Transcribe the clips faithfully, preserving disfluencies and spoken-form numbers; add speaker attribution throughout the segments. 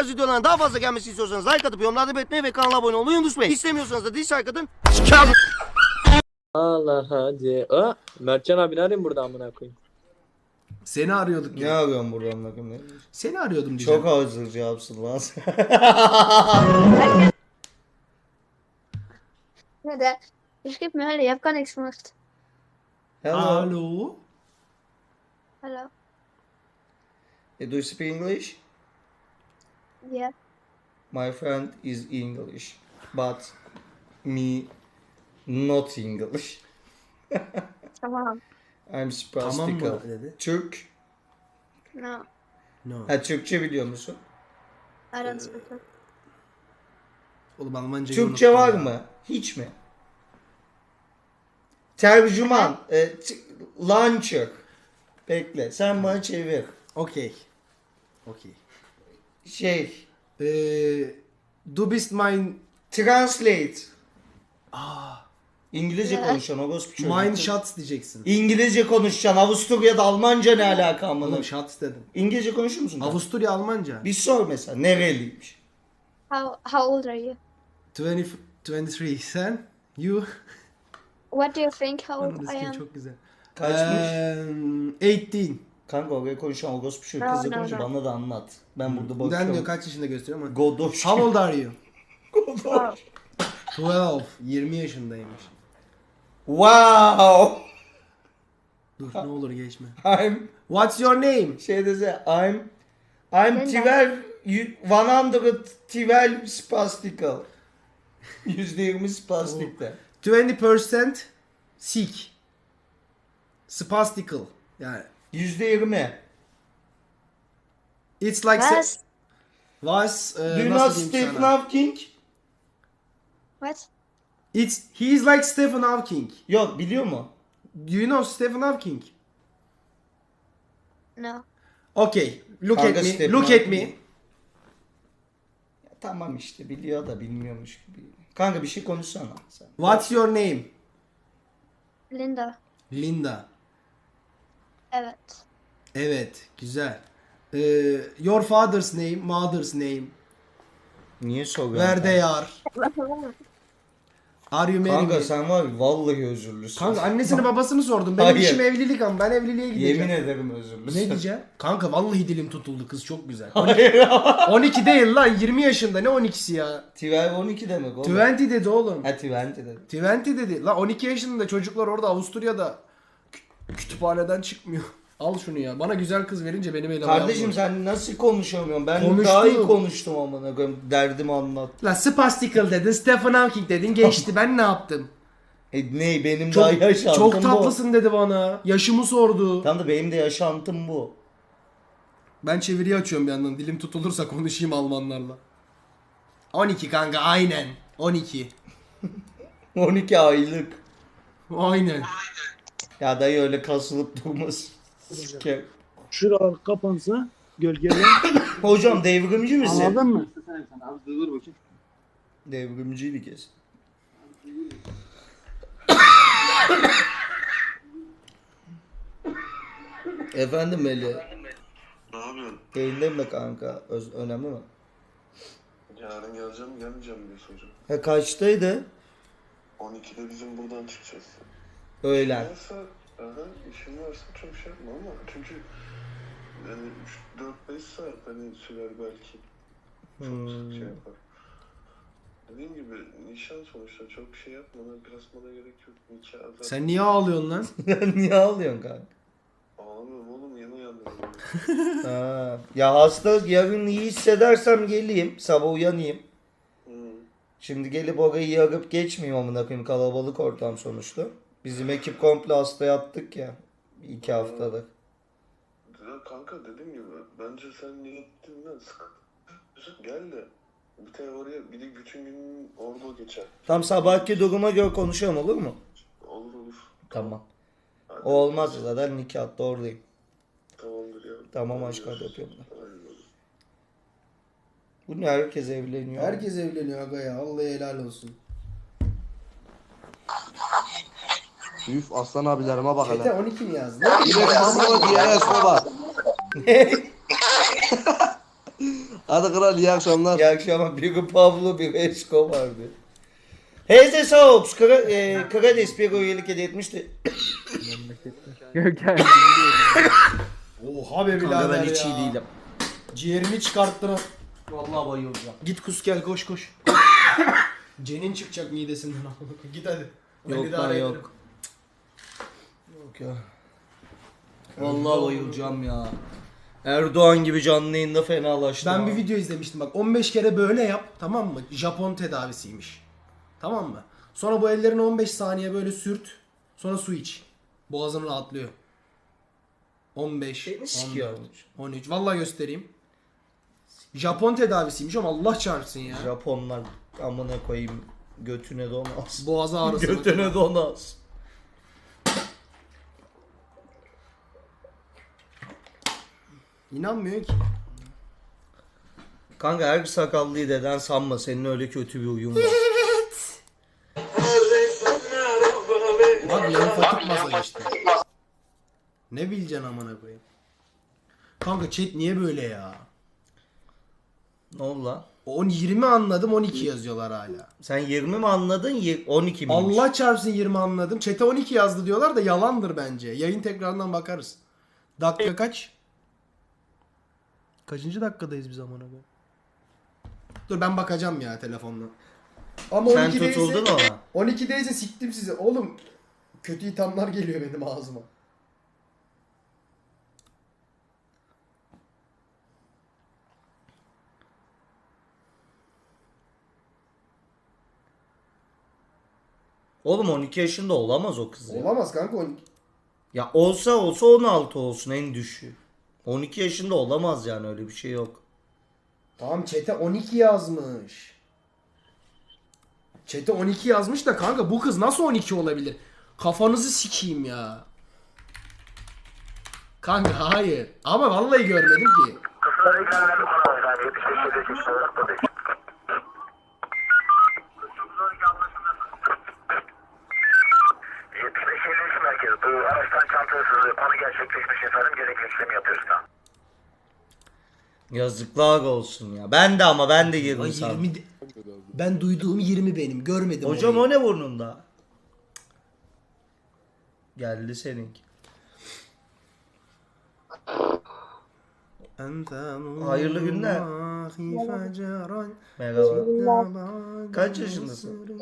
Speaker 1: tarz videoların daha fazla gelmesi istiyorsanız like atıp yorumlarda belirtmeyi ve kanala abone olmayı unutmayın. İstemiyorsanız da dislike atın.
Speaker 2: Allah hadi. Aa, Mertcan abi ne arayayım burada amına koyayım?
Speaker 3: Seni arıyorduk
Speaker 1: Ne
Speaker 3: ya.
Speaker 1: arıyorsun buradan bakayım?
Speaker 3: Seni arıyordum diyeceğim.
Speaker 1: Çok hazır cevapsın lan.
Speaker 4: Ja, der, ich gebe mir Hölle, ich hab gar nichts gemacht.
Speaker 1: Hello.
Speaker 3: Alo.
Speaker 4: Hallo.
Speaker 1: Do you speak English?
Speaker 4: Ja.
Speaker 1: My friend is English, but me not English.
Speaker 4: Tamam.
Speaker 1: I'm
Speaker 3: Tamam
Speaker 1: spastical.
Speaker 3: mı dedi?
Speaker 1: Türk.
Speaker 4: No.
Speaker 3: No.
Speaker 1: Ha Türkçe biliyor musun?
Speaker 4: I don't speak it.
Speaker 3: Oğlum Almancayı
Speaker 1: Türkçe
Speaker 3: unuttum
Speaker 1: var
Speaker 3: ya.
Speaker 1: mı? Hiç mi? Tercüman. E, t- launcher. Bekle. Sen bana çevir.
Speaker 3: Okey. Okey.
Speaker 1: Şey.
Speaker 3: Eee... Du bist mein...
Speaker 1: Translate.
Speaker 3: Aa,
Speaker 1: İngilizce
Speaker 4: Ya.
Speaker 1: konuşan orospu çocuğu.
Speaker 3: mein Schatz diyeceksin.
Speaker 1: İngilizce konuşacaksın. Avusturya'da Almanca ne alaka amına?
Speaker 3: Oğlum Schatz dedim.
Speaker 1: İngilizce konuşur musun?
Speaker 3: Avusturya Almanca.
Speaker 1: Bir sor mesela. Nereliymiş?
Speaker 4: How, how old are you?
Speaker 3: yirmi, yirmi üç. Sen? You?
Speaker 4: What do you think how
Speaker 3: Ananı
Speaker 4: old I
Speaker 3: sikeyim,
Speaker 4: am?
Speaker 3: çok güzel.
Speaker 1: Kaçmış?
Speaker 3: Eee... on sekiz.
Speaker 1: Kanka oraya konuşan orospu çocuğu
Speaker 4: No,
Speaker 1: kızla
Speaker 4: no,
Speaker 1: konuşuyor.
Speaker 4: no.
Speaker 1: Bana da anlat. Ben burada
Speaker 3: Ben
Speaker 1: bakıyorum.
Speaker 3: diyor kaç yaşında gösteriyor ama.
Speaker 1: Godoş.
Speaker 3: How old are you?
Speaker 1: Godoş.
Speaker 4: Wow.
Speaker 3: yirmi. yirmi yaşındaymış.
Speaker 1: Wow.
Speaker 3: Dur ne olur geçme.
Speaker 1: I'm
Speaker 3: What's your name?
Speaker 1: şey dese I'm I'm
Speaker 4: Ben de.
Speaker 1: twelve you- one twelve spastical. yüzde yirmi spastikte.
Speaker 3: yirmi percent sick. Spastical. Yani
Speaker 1: yüzde yirmi.
Speaker 3: it's like
Speaker 4: Was?
Speaker 3: was
Speaker 1: Do
Speaker 3: uh,
Speaker 1: you know
Speaker 3: nasıl diyeyim
Speaker 1: Stephen
Speaker 3: sana?
Speaker 1: Hawking?
Speaker 4: What?
Speaker 3: It's he is like Stephen Hawking.
Speaker 1: Yok biliyor mu?
Speaker 3: Do you know Stephen Hawking?
Speaker 4: No.
Speaker 3: Okay, look
Speaker 1: Kanka
Speaker 3: at me.
Speaker 1: Stephen
Speaker 3: Look at
Speaker 1: Hawking.
Speaker 3: me.
Speaker 1: Ya, tamam işte biliyor da bilmiyormuş gibi. Kanka bir şey konuşsana sen.
Speaker 3: What's your name?
Speaker 4: Linda.
Speaker 3: Linda.
Speaker 4: Evet.
Speaker 3: Evet, güzel. Ee, your father's name, mother's name.
Speaker 1: Niye soruyorsun?
Speaker 3: Where they are. Are you married?
Speaker 1: Kanka sen var ya, vallahi özürlüsün.
Speaker 3: Kanka annesini babasını sordum. Benim
Speaker 1: Hayır.
Speaker 3: işim evlilik ama ben evliliğe gideceğim.
Speaker 1: Yemin ederim özürlüsün.
Speaker 3: Ne diyeceğim? Kanka vallahi dilim tutuldu, kız çok güzel.
Speaker 1: Hayır.
Speaker 3: on iki değil lan, yirmi yaşında, ne on ikisi ya?
Speaker 1: twelve on iki demek oğlum.
Speaker 3: yirmi dedi oğlum.
Speaker 1: Ha yirmi dedim.
Speaker 3: yirmi dedi. Lan on iki yaşında çocuklar orada Avusturya'da kü- kütüphaneden çıkmıyor. Al şunu ya. Bana güzel kız verince benim elim
Speaker 1: Kardeşim sen nasıl konuşamıyorsun? Ben
Speaker 3: Konuştum.
Speaker 1: daha iyi konuştum amına koyayım. Derdimi anlat.
Speaker 3: Lan spastical dedin, Stephen Hawking dedin, geçti. Ben ne yaptım?
Speaker 1: E ne benim
Speaker 3: Çok,
Speaker 1: daha yaşantım
Speaker 3: çok
Speaker 1: bu.
Speaker 3: tatlısın dedi bana. Yaşımı sordu.
Speaker 1: Tamam da benim de yaşantım bu.
Speaker 3: Ben çeviriyi açıyorum bir yandan. Dilim tutulursa konuşayım Almanlarla. on iki kanka aynen. on iki.
Speaker 1: on iki aylık.
Speaker 3: Aynen.
Speaker 1: Ya dayı öyle kasılıp durmaz. Siker.
Speaker 5: Şuralar kapansa gölgeler.
Speaker 1: Hocam devrimci misin?
Speaker 5: Anladın mı? Abi dur bakayım.
Speaker 1: Devrimciydi kesin. Efendim Melih.
Speaker 6: Ne yapıyorsun?
Speaker 1: Yayındayım da kanka. Öz önemli mi?
Speaker 6: Yarın geleceğim gelmeyeceğim diyorsun hocam.
Speaker 1: Ha kaçtaydı?
Speaker 6: on ikide bizim buradan çıkacağız.
Speaker 1: Öğlen.
Speaker 6: Varsa, aha, işin varsa çok şey yapma ama çünkü yani üç dört beş saat hani sürer belki. Çok
Speaker 1: Hmm.
Speaker 6: şey yapar. Dediğim gibi nişan sonuçta çok şey yapmana, kasmana gerek yok. Nikah zaten.
Speaker 3: Sen niye ağlıyorsun lan?
Speaker 1: Niye ağlıyorsun kanka?
Speaker 6: Ağlamıyorum oğlum yeni uyandım.
Speaker 1: Ha. Ya hasta yarın iyi hissedersem geleyim. Sabah uyanayım.
Speaker 6: hmm.
Speaker 1: Şimdi gelip orayı yarıp geçmeyeyim amına koyayım, kalabalık ortam sonuçta. Bizim ekip komple hasta yattık ya. iki haftadır.
Speaker 6: Ya kanka dediğim gibi bence sen niyetinden sık. Gel de bir tane oraya bir de bütün gün orada geçer.
Speaker 1: Tam sabahki duruma göre konuşalım, olur mu?
Speaker 6: Olur olur.
Speaker 1: Tamam.
Speaker 6: Hadi.
Speaker 1: O olmaz zaten nikahta oradayım.
Speaker 6: Tamamdır ya.
Speaker 1: Tamam aşkım, hadi öpüyorum ben.
Speaker 6: Aynen öyle.
Speaker 1: Bu ne, herkes evleniyor.
Speaker 3: Herkes evleniyor aga ya. Vallahi helal olsun.
Speaker 7: Üf aslan abilerime bak
Speaker 3: Çete
Speaker 7: hele.
Speaker 3: on iki mi yazdı?
Speaker 7: Direkt mamlo diye esme bak. Hadi kral iyi akşamlar.
Speaker 1: İyi akşamlar. Biri Pablo, biri Escobar'dı. Heyze Saops, Kra e, Krades bir üyelik hediye etmişti.
Speaker 2: Görkem.
Speaker 3: Oha be
Speaker 1: Kanka
Speaker 3: birader
Speaker 1: ben hiç
Speaker 3: ya.
Speaker 1: iyi değilim.
Speaker 3: Ciğerimi çıkarttın.
Speaker 1: Vallahi bayılacağım.
Speaker 3: Git kus gel koş koş. Cenin çıkacak midesinden. Git hadi. Ben
Speaker 1: Yok
Speaker 3: idare
Speaker 1: lan
Speaker 3: ederim.
Speaker 1: yok. Yok ya. Vallahi bayılacağım ya. Erdoğan gibi canlı yayında fenalaştım.
Speaker 3: Ben bir
Speaker 1: ha.
Speaker 3: video izlemiştim bak on beş kere böyle yap tamam mı? Japon tedavisiymiş. Tamam mı? Sonra bu ellerini on beş saniye böyle sürt. Sonra su iç. Boğazın rahatlıyor. on beş,
Speaker 1: Beni sikiyor.
Speaker 3: on dört, on üç. Vallahi göstereyim. Japon tedavisiymiş ama Allah çarpsın ya.
Speaker 1: Japonlar amına koyayım götüne donaz.
Speaker 3: Boğaz ağrısı.
Speaker 1: Götüne donaz.
Speaker 3: İnanmıyor ki.
Speaker 1: Kanka her sakallıyı deden sanma senin öyle kötü bir uyum var.
Speaker 3: Bak lenfatik masaj işte. Ne bileceksin amına koyayım. Kanka chat niye böyle ya?
Speaker 1: Ne oldu lan?
Speaker 3: on yirmi anladım on iki yazıyorlar hala.
Speaker 1: Sen yirmi mi anladın? Yir- on iki miymiş?
Speaker 3: Allah çarpsın yirmi anladım. Chat'e on iki yazdı diyorlar da yalandır bence. Yayın tekrarından bakarız. Dakika kaç? Kaçıncı dakikadayız biz amına koyayım? Dur ben bakacağım ya telefonla. Ama
Speaker 1: Sen
Speaker 3: on ikideyse
Speaker 1: tutuldun ona.
Speaker 3: on ikideyse siktim sizi. Oğlum kötü ithamlar geliyor benim ağzıma.
Speaker 1: Oğlum on iki yaşında olamaz o kız ya.
Speaker 3: Olamaz kanka on iki.
Speaker 1: Ya olsa olsa on altı olsun en düşüğü. on iki yaşında olamaz yani öyle bir şey yok.
Speaker 3: Tamam chat'e on iki yazmış. Chat'e on iki yazmış da kanka bu kız nasıl on iki olabilir? Kafanızı sikeyim ya. Kanka hayır. Ama vallahi görmedim ki.
Speaker 8: yetmiş beş elli üç merkez. Bu araçtan çanta hırsızlığı konu gerçekleşmiş efendim. Gerekli işlemi yapıyoruz da.
Speaker 1: Yazıklar olsun ya. Ben de ama ben de
Speaker 3: Ay
Speaker 1: yirmi sandım.
Speaker 3: yirmi de- Ben duyduğum yirmi benim. Görmedim
Speaker 1: Hocam
Speaker 3: orayı.
Speaker 1: o ne burnunda? Geldi seninki. Hayırlı günler. Merhaba. Kaç yaşındasın?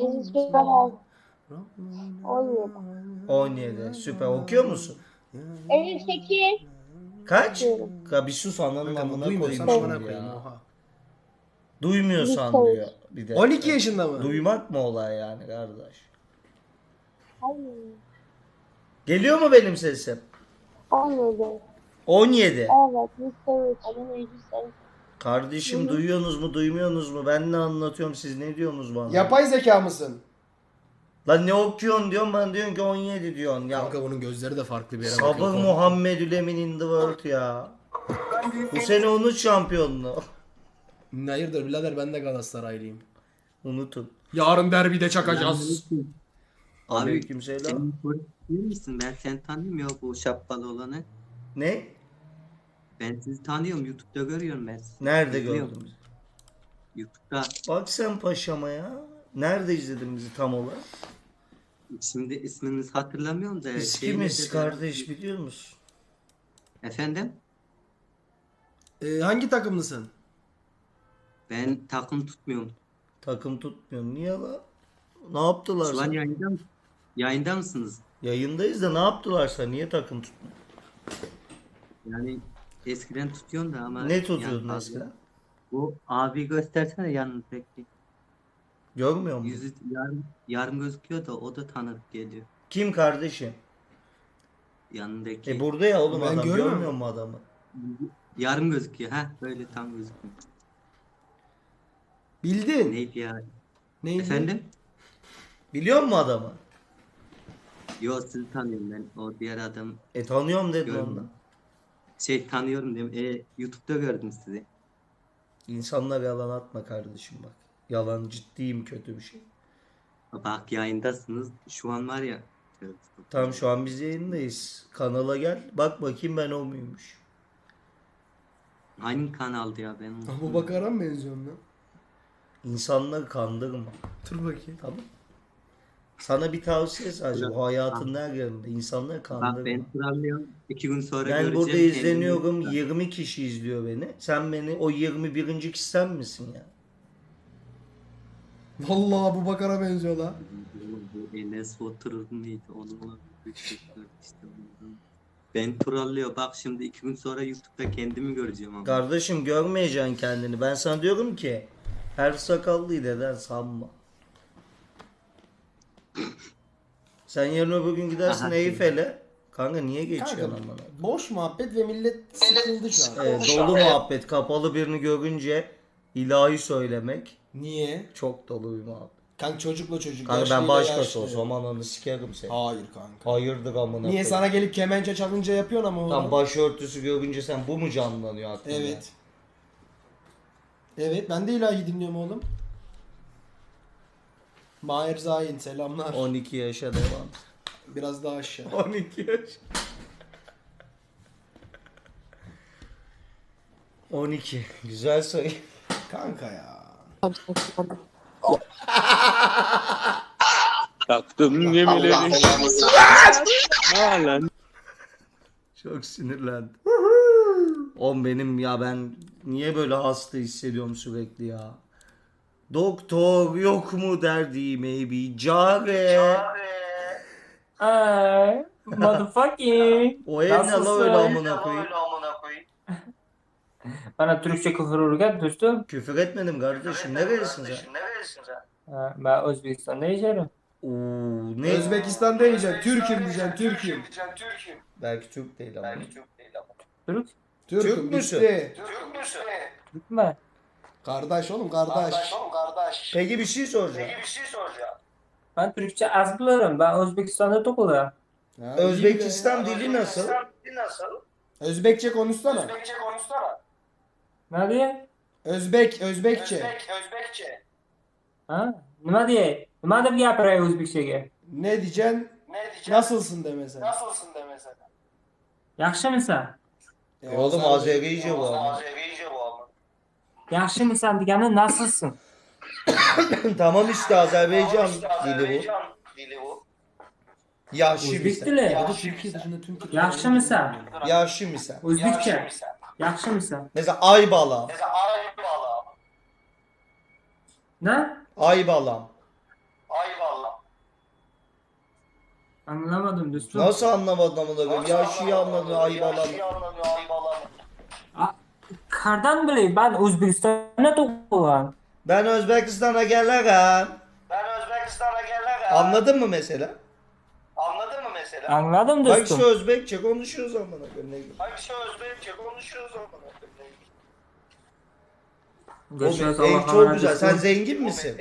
Speaker 1: on yedi. Süper. Okuyor musun?
Speaker 4: elli sekiz.
Speaker 1: Kaç? Ya bir sus ananın
Speaker 3: Kanka,
Speaker 1: amına koyayım
Speaker 3: duymuyorsan
Speaker 1: şimdi
Speaker 3: amına koyayım,
Speaker 1: ya.
Speaker 3: oha.
Speaker 1: Duymuyorsan diyor bir de.
Speaker 3: on iki yaşında mı?
Speaker 1: Duymak mı olay yani kardeş?
Speaker 4: Hayır.
Speaker 1: Geliyor mu benim sesim?
Speaker 4: on yedi.
Speaker 1: on yedi.
Speaker 4: Evet. Lise üç. Adını lise.
Speaker 1: Kardeşim duyuyorsunuz mu duymuyorsunuz mu? Ben ne anlatıyorum siz ne diyorsunuz bana?
Speaker 3: Yapay zeka mısın?
Speaker 1: Lan ne okuyorsun diyorsun bana diyorsun ki on yedi diyorsun. Ya
Speaker 3: Kanka bunun gözleri de farklı bir yere
Speaker 1: sabır
Speaker 3: bakıyor.
Speaker 1: Muhammedül Emin in the world ya. Bu sene unut şampiyonluğu.
Speaker 3: Hayırdır birader ben de Galatasaraylıyım.
Speaker 1: Unutun.
Speaker 3: Yarın derbide çakacağız.
Speaker 1: Aleykümselam.
Speaker 9: Sen polis değil misin? Ben seni tanıyorum ya bu şapkalı olanı.
Speaker 1: Ne?
Speaker 9: Ben sizi tanıyorum. YouTube'da görüyorum ben sizi.
Speaker 1: Nerede
Speaker 9: İzliyorum.
Speaker 1: gördün bizi?
Speaker 9: YouTube'da.
Speaker 1: Bak sen paşama ya. Nerede izledin bizi tam olarak?
Speaker 9: Şimdi isminizi hatırlamıyorum da.
Speaker 1: Biz
Speaker 9: şeyle
Speaker 1: kimiz
Speaker 9: de-
Speaker 1: kardeş biliyor musun?
Speaker 9: Efendim?
Speaker 3: Ee, hangi takımlısın?
Speaker 9: Ben takım tutmuyorum.
Speaker 1: Takım tutmuyorsun. Niye la? Ne yaptılar
Speaker 9: Şu an
Speaker 1: sana?
Speaker 9: yayında, mı- yayında mısınız?
Speaker 1: Yayındayız da ne yaptılar sana? Niye takım tutmuyorsun?
Speaker 9: Yani eskiden tutuyorsun da ama.
Speaker 1: Ne tutuyordun
Speaker 9: yani
Speaker 1: eskiden?
Speaker 9: Bu abi göstersene yanınızdaki.
Speaker 1: Görmüyor musun?
Speaker 9: Yüzü yarım, yarım gözüküyor da o da tanıdık geliyor.
Speaker 1: Kim kardeşim?
Speaker 9: Yanındaki.
Speaker 1: E burada ya oğlum
Speaker 3: Ben
Speaker 1: adam.
Speaker 3: görmüyorum.
Speaker 1: Görmüyor mu adamı?
Speaker 9: Yarım gözüküyor. Ha böyle tam gözükmüyor.
Speaker 3: Bildin.
Speaker 9: Neydi ya?
Speaker 3: Neydi?
Speaker 9: Efendim?
Speaker 1: Biliyor musun adamı?
Speaker 9: Yo sizi tanıyorum ben. O diğer adam
Speaker 1: E tanıyorum dedin
Speaker 9: Görmüyorum.
Speaker 1: ondan.
Speaker 9: şey tanıyorum diyorum. E, YouTube'da gördüm sizi.
Speaker 1: İnsanlara yalan atma kardeşim bak. Yalan ciddiyim kötü bir şey.
Speaker 9: Bak yayındasınız. Şu an var ya.
Speaker 1: Tam şu an biz yayındayız. Kanala gel. Bak bakayım ben o muymuş.
Speaker 9: Hangi kanaldı ya ben?
Speaker 3: Bu Bakar'a mı benziyorum lan?
Speaker 1: İnsanları kandırma.
Speaker 3: Dur bakayım.
Speaker 1: Tamam. Sana bir tavsiye sadece. Bu hayatın her yerinde. İnsanları
Speaker 9: Bak
Speaker 1: kandırma.
Speaker 9: ben trolluyorum. İki gün sonra
Speaker 1: Ben
Speaker 9: göreceğim.
Speaker 1: burada
Speaker 9: kendimi-
Speaker 1: izleniyorum. yirmi kişi izliyor beni. Sen beni o yirmi birinci kişi sen misin ya?
Speaker 3: Vallahi bu Bakar'a benziyor lan.
Speaker 9: Bu Enes Batur mıydı? Onunla bir şey işte ondan. Ben trollüyor. Bak şimdi iki gün sonra YouTube'da kendimi göreceğim ama.
Speaker 1: Kardeşim görmeyeceksin kendini. Ben sana diyorum ki her sakallıyı deden sanma. Sen yarın öbür gün gidersin
Speaker 9: Aha.
Speaker 1: Eyfel'e. Kanka niye geçiyorsun
Speaker 3: Kanka,
Speaker 1: amına?
Speaker 3: boş muhabbet ve millet sıkıldı şu an.
Speaker 1: Evet, dolu muhabbet. Kapalı birini görünce ilahi söylemek
Speaker 3: Niye?
Speaker 1: çok dolu bir muhabbet.
Speaker 3: Kanka çocukla çocuk.
Speaker 1: Kanka ben
Speaker 3: yaşlıyla
Speaker 1: başkası
Speaker 3: yaşlı.
Speaker 1: olsam ananı sikerim seni.
Speaker 3: Hayır kanka.
Speaker 1: Hayırdır amına
Speaker 3: Niye
Speaker 1: koyayım.
Speaker 3: sana gelip kemençe çalınca yapıyorsun ama onu?
Speaker 1: Tam başörtüsü görünce sen bu mu canlanıyor aklında?
Speaker 3: Evet. Evet ben de ilahi dinliyorum oğlum. Mahir Zahin selamlar.
Speaker 1: on iki yaşa devam.
Speaker 3: Biraz daha aşağı.
Speaker 1: on iki yaş. on iki. Güzel sayı.
Speaker 3: Kanka ya.
Speaker 2: Taktım gemileri. Lan.
Speaker 1: Çok sinirlendim. Oğlum benim ya ben niye böyle hasta hissediyorum sürekli ya. Doktor yok mu derdi maybe care.
Speaker 10: Ay, motherfucking.
Speaker 1: O ev ne la
Speaker 10: Nasılsın?
Speaker 1: öyle amına koyayım.
Speaker 10: Bana Türkçe küfür öğret dostum.
Speaker 1: Küfür etmedim kardeşim. Nerelisin sen?
Speaker 10: Ha, ben Özbekistan'da yaşarım.
Speaker 1: Oo, ne?
Speaker 3: Özbekistan'da yiyeceksin. Türk'üm diyeceksin. Türk'üm.
Speaker 1: Belki Türk değil ama.
Speaker 10: Türk?
Speaker 3: Türk'üm
Speaker 1: Türk müsün?
Speaker 3: bitti.
Speaker 10: Türk mü?
Speaker 3: Kardeş oğlum kardeş.
Speaker 1: Peki bir şey soracağım.
Speaker 10: Ben Türkçe az bilirim. Ben Özbekistan'da doğdum.
Speaker 3: Ha, iyi
Speaker 1: Özbekistan
Speaker 3: bile.
Speaker 1: dili nasıl?
Speaker 3: Özbekçe konuşsana.
Speaker 10: Ne diye?
Speaker 3: Özbek, Özbekçe.
Speaker 10: Ha? Nima diye? Nima deb gapiray O'zbekchaga?
Speaker 3: Ne diyeceksin? Nasılsın de mesela.
Speaker 10: Yaxshimisan?
Speaker 3: E,
Speaker 1: E oğlum
Speaker 3: Azerbaycan-
Speaker 1: Azerice bu ama.
Speaker 10: Yaxshimisan degani nasılsın?
Speaker 1: Tamam işte Azerbaycan dili bu. Yaşlı
Speaker 10: O'zbek
Speaker 1: mısın?
Speaker 10: dili.
Speaker 3: Ya da Türkiye dışında tüm Türkiye.
Speaker 10: Yaxshimisan?
Speaker 1: Yaşlı mısın?
Speaker 10: O'zbekcha. Yaxshimisan?
Speaker 1: Mesela Aybalam.
Speaker 10: Ne?
Speaker 1: Aybalam.
Speaker 10: Anlamadım dostum.
Speaker 1: Nasıl anlamadın amına koyayım? Yaşlıyı anladın Aybalam.
Speaker 10: Qardan bilay? Ben O'zbekistonda tug'ilgan.
Speaker 1: Ben Özbekistan'a gelirim. Anladın mı mesela?
Speaker 10: Anladım
Speaker 1: Bak
Speaker 10: dostum.
Speaker 1: işte Özbekçe konuşuyoruz amına koyayım. ne güzel.
Speaker 10: Görüşürüz.
Speaker 1: Oğlum, ev
Speaker 10: Allah'a
Speaker 1: çok
Speaker 10: emanet
Speaker 1: güzel. Sen
Speaker 10: dostum.
Speaker 1: zengin misin?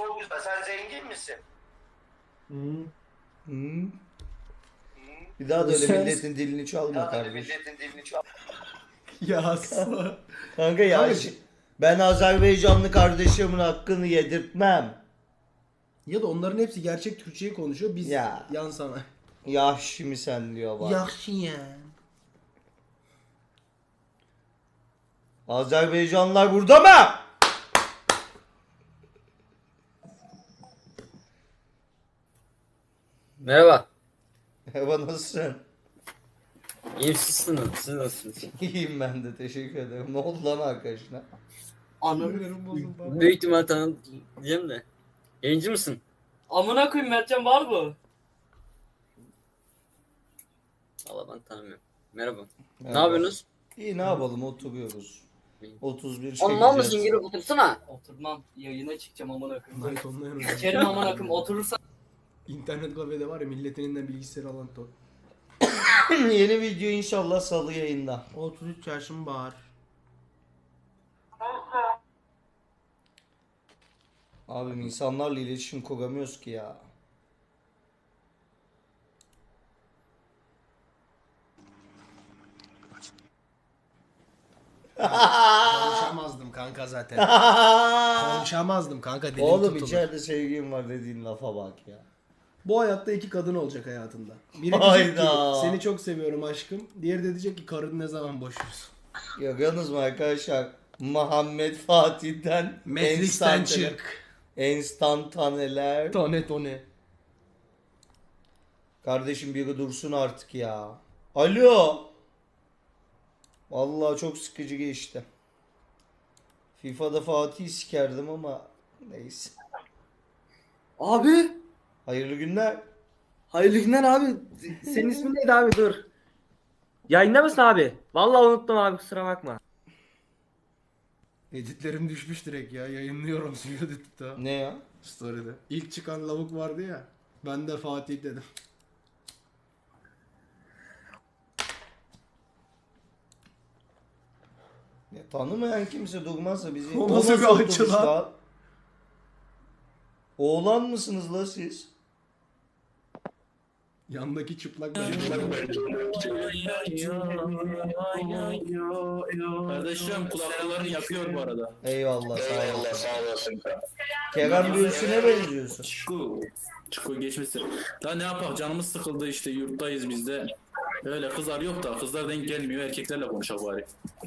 Speaker 10: Hmm.
Speaker 1: Hı. Bir daha da öyle
Speaker 10: Görüşürüz.
Speaker 1: milletin dilini çalma kardeşim.
Speaker 3: Ya
Speaker 1: Kanka ya
Speaker 3: Kanka-
Speaker 1: şi- ben Azerbaycanlı kardeşimin hakkını yedirtmem.
Speaker 3: Ya da onların hepsi gerçek Türkçeyi konuşuyor. Biz
Speaker 1: Ya.
Speaker 3: yan sana.
Speaker 1: Yaşlı mı sen diyor bak.
Speaker 3: Yaxşı ya.
Speaker 1: Azerbaycanlılar burada mı?
Speaker 11: Merhaba.
Speaker 1: Merhaba nasılsın?
Speaker 11: İyi misiniz? Siz nasılsınız?
Speaker 1: İyiyim ben de teşekkür ederim. Ne oldu lan arkadaşına?
Speaker 3: Anlarım bozuldu.
Speaker 11: Büyük ihtimal tanıdığım de. Yayıncı mısın? Amına koyayım Mertcan var bu. Valla ben tanımıyorum. Merhaba. Ne yapıyorsunuz?
Speaker 1: İyi ne yapalım oturuyoruz. otuz bir
Speaker 11: Ondan mısın
Speaker 1: çekeceğiz.
Speaker 11: girip otursana. Oturmam. Yayına çıkacağım amına koyayım.
Speaker 3: Ben tonlayan hocam.
Speaker 11: İçerim amına koyayım oturursan.
Speaker 3: İnternet kafede var ya milletin elinden bilgisayarı alan ton.
Speaker 1: Yeni video inşallah salı yayında.
Speaker 3: otuz üç yaşım var.
Speaker 1: Abim insanlarla iletişim kuramıyoruz ki ya.
Speaker 3: Konuşamazdım kanka zaten. Konuşamazdım kanka dilim
Speaker 1: Oğlum
Speaker 3: tutulur.
Speaker 1: içeride sevgilim var dediğin lafa bak ya.
Speaker 3: Bu hayatta iki kadın olacak hayatında. Biri diyecek
Speaker 1: Hayda.
Speaker 3: ki seni çok seviyorum aşkım. Diğeri de diyecek ki karını ne zaman boşuyorsun.
Speaker 1: Görüyorsunuz mu arkadaşlar? Muhammed Fatih'ten
Speaker 3: Matrix'ten
Speaker 1: enstantane-
Speaker 3: çık.
Speaker 1: Enstantaneler.
Speaker 3: Tone tone.
Speaker 1: Kardeşim biri dursun artık ya. Alo. Vallahi çok sıkıcı geçti. FIFA'da Fatih'i sikerdim ama neyse.
Speaker 11: Abi.
Speaker 1: Hayırlı günler.
Speaker 11: Hayırlı günler abi. Senin ismin neydi abi dur. Yayında mısın abi? Vallahi unuttum abi kusura bakma.
Speaker 3: Editlerim düşmüş direkt ya. Yayınlıyorum suyu editte.
Speaker 1: Ne ya?
Speaker 3: Story'de. İlk çıkan lavuk vardı ya. Ben de Fatih dedim.
Speaker 1: Ya, tanımayan kimse durmazsa bizi...
Speaker 3: O nasıl bir
Speaker 1: nasıl
Speaker 3: açı
Speaker 1: otobüs
Speaker 3: lan?
Speaker 1: lan? Oğlan mısınız la siz?
Speaker 3: Yandaki çıplak
Speaker 5: Kardeşim kulaklarını yakıyor bu arada.
Speaker 1: Eyvallah sağ olasın. Kerem Bürsin'e benziyorsun.
Speaker 5: Çuku. Çuku geçmiştir. Daha ne yapak canımız sıkıldı işte yurttayız biz de. Öyle kızlar yok da kızlar denk gelmiyor erkeklerle konuşak bari.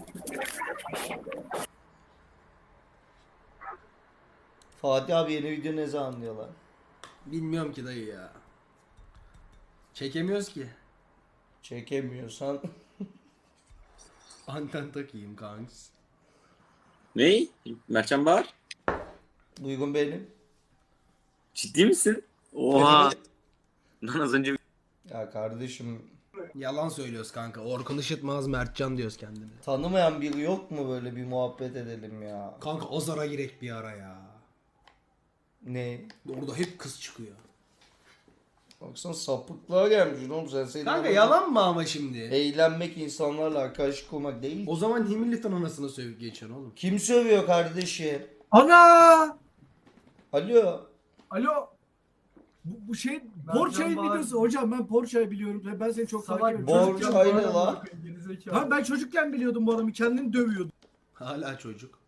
Speaker 1: Fatih abi yeni video ne zaman diyorlar?
Speaker 3: Bilmiyorum ki dayı ya. Çekemiyoruz ki.
Speaker 1: Çekemiyorsan
Speaker 3: Anten takayım kanks.
Speaker 12: Ne? Mertcan Bahar?
Speaker 1: Duygun benim.
Speaker 12: Ciddi misin? Oha. Lan az önce
Speaker 1: Ya kardeşim
Speaker 3: Yalan söylüyoruz kanka. Orkun Işıtmaz Mertcan diyoruz kendine.
Speaker 1: tanımayan biri yok mu böyle bir muhabbet edelim ya?
Speaker 3: Kanka Ozar'a girek bir ara ya.
Speaker 1: Ne?
Speaker 3: Orada hep kız çıkıyor.
Speaker 1: Baksana sapıklığa gelmiş oğlum sen. Senin
Speaker 3: Kanka
Speaker 1: amacın
Speaker 3: yalan mı ama şimdi?
Speaker 1: Eğlenmek, insanlarla arkadaşlık kurmak değil.
Speaker 3: O zaman Hamilton anasını sövüp geçiyorsun oğlum.
Speaker 1: Kim sövüyor kardeşi?
Speaker 13: Ana!
Speaker 1: Alo.
Speaker 13: Alo. Bu, bu şey Porsche'nin videosu hocam ben Porsche'yi biliyorum. Ben seni çok takip ediyorum.
Speaker 1: Porsche
Speaker 13: Çocukken bu
Speaker 1: ne
Speaker 13: adamı
Speaker 1: lan?
Speaker 13: bakın, gerizekalı. Ha ben çocukken biliyordum bu adamı kendini dövüyordu.
Speaker 3: Hala çocuk.